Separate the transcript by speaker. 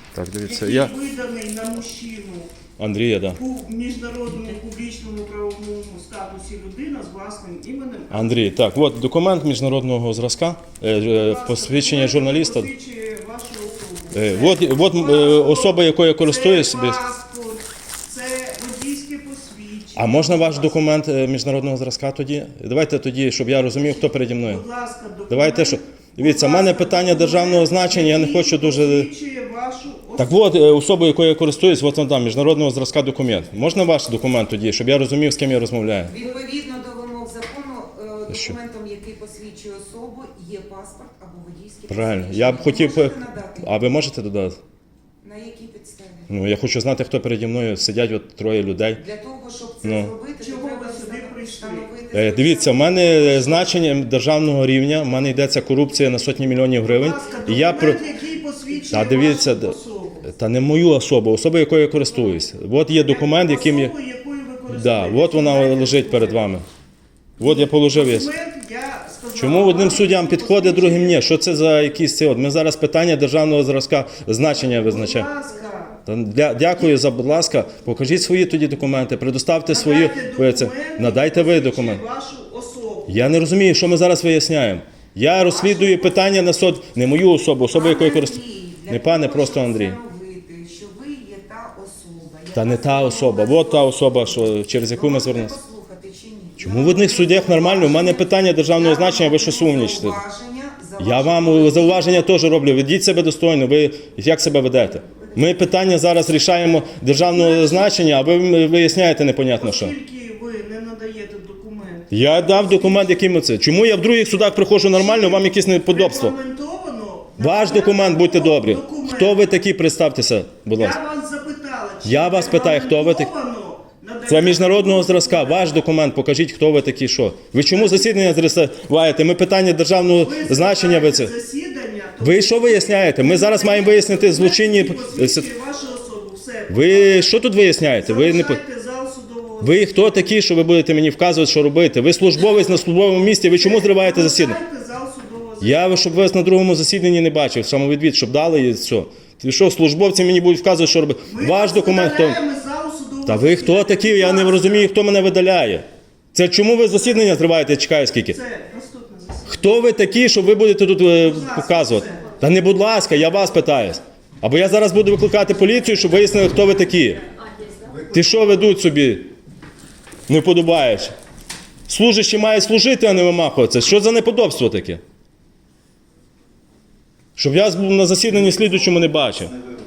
Speaker 1: Так, дивіться,
Speaker 2: який виданий на мужчину
Speaker 1: Андрія, да.
Speaker 2: у міжнародному публічному правовому статусі людина з власним іменем.
Speaker 1: Андрій, так, от документ міжнародного зразка, посвідчення журналіста.
Speaker 2: Посвідчує вашу особу.
Speaker 1: От особа, якою я користуюсь.
Speaker 2: Це паспорт, це водійське посвідчення.
Speaker 1: А можна ваш документ міжнародного зразка тоді? Давайте тоді, щоб я розумів, хто переді мною.
Speaker 2: Будь ласка, документ.
Speaker 1: Давайте, що... Дивіться, в мене питання державного значення, я не хочу дуже...
Speaker 2: Посвідчує вашу особу.
Speaker 1: Так от, особа, якою я користуюсь, от вам там, міжнародного зразка документ. Можна ваш документ тоді, щоб я розумів, з ким я розмовляю?
Speaker 3: Відповідно до вимог закону, документом, який посвідчує особу, є паспорт або водійське
Speaker 1: Правильно.
Speaker 3: посвідчення.
Speaker 1: Я б хотів...
Speaker 3: Можете надати?
Speaker 1: А ви можете додати?
Speaker 3: На якій підставі?
Speaker 1: Ну, я хочу знати, хто переді мною сидять, от троє людей.
Speaker 3: Для того, щоб це
Speaker 1: Ну.
Speaker 3: зробити,
Speaker 2: Чого
Speaker 3: то треба
Speaker 2: ви сюди прийшли?
Speaker 3: встановити...
Speaker 1: Дивіться, в мене значення державного рівня, в мене йдеться корупція на сотні мільйонів гривень.
Speaker 2: Будь ласка,
Speaker 1: І я
Speaker 2: документ, який посвідчує
Speaker 1: Та дивіться,
Speaker 2: вашу особу.
Speaker 1: та не мою особу, особу, якою я користуюсь. От є документ, яким я...
Speaker 2: Особу, якою ви користуєтесь.
Speaker 1: Да, от вона лежить перед вами. От я положив її.
Speaker 2: Документ, я сказала,
Speaker 1: Чому одним
Speaker 2: вам,
Speaker 1: суддям
Speaker 2: який
Speaker 1: підходить, другим ні?
Speaker 2: посвідчує.
Speaker 1: Що це за якісь ці? От ми зараз питання державного зразка значення визначаємо.
Speaker 2: Будь ласка,
Speaker 1: Дякую за, будь ласка, покажіть свої тоді документи, предоставте свої.
Speaker 2: надайте
Speaker 1: Надайте ви документ.
Speaker 2: вашу особу.
Speaker 1: Я не розумію, що ми зараз виясняємо. Я розслідую питання на суд, не мою особу, особу, якою користуюсь. Не пане, просто Андрій.
Speaker 3: Що ви є та особа.
Speaker 1: Та не та особа, от та особа, що, через яку ми звернулися.
Speaker 3: Послухати чи ні?
Speaker 1: Чому в одних суддях нормально? У мене питання державного значення, ви що сумнічите? Я вам зауваження теж роблю. Ведіть себе достойно, ви як себе ведете? Ми питання зараз рішаємо державного значення, а ви виясняєте непонятно що.
Speaker 2: Оскільки ви не надаєте документ.
Speaker 1: Я дав документ, який ми це. Чому я в других судах приходжу нормально, вам якісь неподобства?
Speaker 2: Регламентовано.
Speaker 1: Ваш документ, будьте добрі.
Speaker 2: Документ.
Speaker 1: Хто ви такі, представтеся, будь ласка.
Speaker 2: Я вас запитала. чи
Speaker 1: Я вас питаю, хто ви такі?
Speaker 2: регламентовано надання
Speaker 1: Це міжнародного зразка, ваш документ, покажіть, хто ви такі, що. Ви чому засідання зриваєте? Ми питання державного
Speaker 2: Ви
Speaker 1: значення, ви це.
Speaker 2: засідання, то
Speaker 1: Ви що виясняєте? Ми зараз маємо вияснити злочинні...
Speaker 2: посвідчує вашу особу. Все.
Speaker 1: Ви що тут виясняєте? Ви не...
Speaker 2: Залишайте зал судового.
Speaker 1: Ви хто такі, що ви будете мені вказувати, що робити? Ви службовець на службовому місці, ви чому зриваєте засідання?
Speaker 2: Залишайте зал судового.
Speaker 1: Я, щоб вас на другому засіданні не бачив, самовідвід, щоб дали і все. Ти що, службовці мені будуть вказувати, що робити?
Speaker 2: Ми
Speaker 1: Ваш
Speaker 2: вас
Speaker 1: документ хто?
Speaker 2: видаляємо з залу судового
Speaker 1: Та ви хто
Speaker 2: засідання.
Speaker 1: такі? Я не розумію, хто мене видаляє. Це чому ви засідання зриваєте? Я чекаю скільки.
Speaker 2: Це наступне засідання.
Speaker 1: Хто ви такі, що ви будете тут
Speaker 2: ласка,
Speaker 1: показувати?
Speaker 2: все.
Speaker 1: Та не будь ласка, я вас питаюсь. Або я зараз буду викликати поліцію, щоб вияснили, хто ви такі. Ти що ведуть собі? Не подобаєш. Служащі мають служити, а не вимахуватися. Що за неподобство таке? Щоб я на засіданні слідуючому не бачив.